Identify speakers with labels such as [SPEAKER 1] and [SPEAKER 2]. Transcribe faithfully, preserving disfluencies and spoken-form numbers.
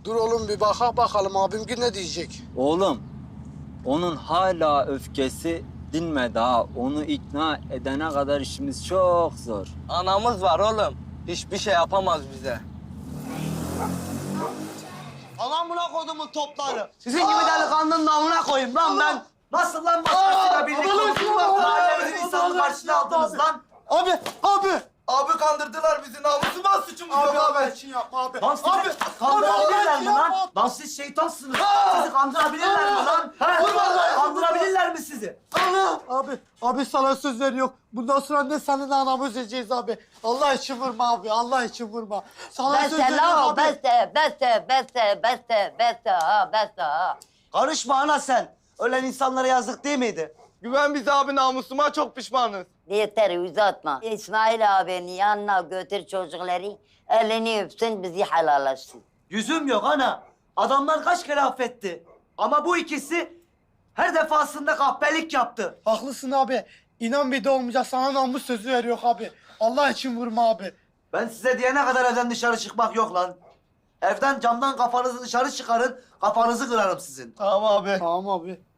[SPEAKER 1] Dur oğlum bir baka bakalım abim ki ne diyecek.
[SPEAKER 2] Oğlum, onun hala öfkesi dinmedi ha. Onu ikna edene kadar işimiz çok zor.
[SPEAKER 3] Anamız var oğlum. Hiçbir şey yapamaz bize.
[SPEAKER 4] Alan buna kodumun topları. Sizin gibi delikanlının namına koyayım lan ben. Nasıl lan başkasıyla birlikte oldunuz? Mahallemizin insanı karşına aldınız lan.
[SPEAKER 1] Abi, abi.
[SPEAKER 4] Abi kandırdılar bizi. Namusum var, suçumuz
[SPEAKER 1] Abi,
[SPEAKER 4] yok
[SPEAKER 1] abi.
[SPEAKER 4] abi.
[SPEAKER 1] için yapma abi.
[SPEAKER 4] Lan sizi
[SPEAKER 1] Abi,
[SPEAKER 4] kandırabilirler
[SPEAKER 1] abi,
[SPEAKER 4] mi lan?
[SPEAKER 1] abi.
[SPEAKER 4] Lan siz şeytansınız. Sizi kandırabilirler mi lan? He? Kandırabilirler mi sizi?
[SPEAKER 1] Abi, abi sana söz veriyorum. Bundan sonra ne senin anamı üzeceğiz abi. Allah için vurma abi, Allah için vurma. Sana söz
[SPEAKER 5] Beste
[SPEAKER 1] veriyorum
[SPEAKER 5] lan o,
[SPEAKER 1] abi.
[SPEAKER 5] beste, beste, beste, beste, beste ha, beste ha.
[SPEAKER 4] Karışma ana sen. Ölen insanlara yazık değil miydi?
[SPEAKER 3] Güven bize abi, namusuma çok pişmanız.
[SPEAKER 5] Yeter uzatma. İsmail abinin yanına götür çocukları, elini öpsün, bizi helallaşsın.
[SPEAKER 4] Yüzüm yok ana. Adamlar kaç kere affetti. Ama bu ikisi her defasında kahpelik yaptı.
[SPEAKER 1] Haklısın abi. İnan bir de olmayacak. Sana namus sözü veriyor abi. Allah için vurma abi.
[SPEAKER 4] Ben size diyene kadar evden dışarı çıkmak yok lan. Evden camdan kafanızı dışarı çıkarın, kafanızı kırarım sizin.
[SPEAKER 3] Tamam abi.
[SPEAKER 1] Tamam abi.